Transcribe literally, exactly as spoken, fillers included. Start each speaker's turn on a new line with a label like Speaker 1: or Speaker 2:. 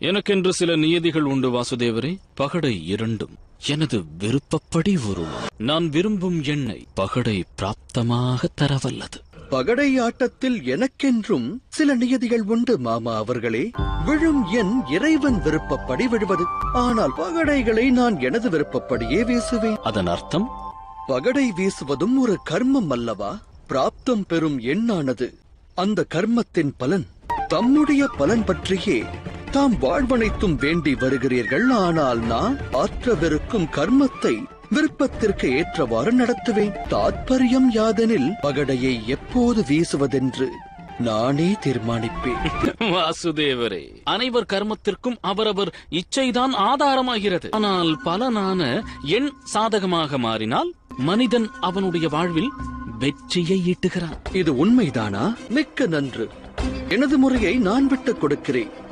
Speaker 1: எனக்கென்று சில நியதிகள் உண்டு வாசுதேவரே. பகடை இரண்டும் எனது விருப்பப்படி உருளும். நான் விரும்பும் எண்ணை பகடை பிராப்தமாக தரவல்லது.
Speaker 2: பகடை ஆட்டத்தில் எனக்கென்றும் சில நியதிகள் உண்டு மாமா அவர்களே. விழும் எண் இறைவன் விருப்பப்படி விழுவது. ஆனால் பகடைகளை நான் எனது விருப்பப்படியே வீசுவேன்.
Speaker 1: அதன் அர்த்தம்?
Speaker 2: பகடை வீசுவதும் ஒரு கர்மம் அல்லவா? பிராப்தம் பெறும் எண்ணானது அந்த கர்மத்தின் பலன். தம்முடைய பலன் பற்றியே தாம் வாழ்வனைத்தும் வேண்டி வருகிறீர்கள். ஆனால் நான் ஆற்றவிருக்கும் கர்மத்தை விருப்பத்திற்கு ஏற்றவாறு நடத்துவேன். தாத்பரியம் யாதெனில் பகடையை எப்போது வீசுவதென்று நானே தீர்மானிப்பேன்.
Speaker 1: வாசுதேவரே, அனைவர் கர்மத்திற்கும் அவரவர் இச்சைதான் ஆதாரமாகிறது. ஆனால் பலனான எண் சாதகமாக மாறினால் மனிதன் அவனுடைய வாழ்வில் வெற்றியை ஈட்டுகிறான்.
Speaker 2: இது உண்மைதானா? மிக்க நன்று. எனது முறையை நான் விட்டுக் கொடுக்கிறேன்.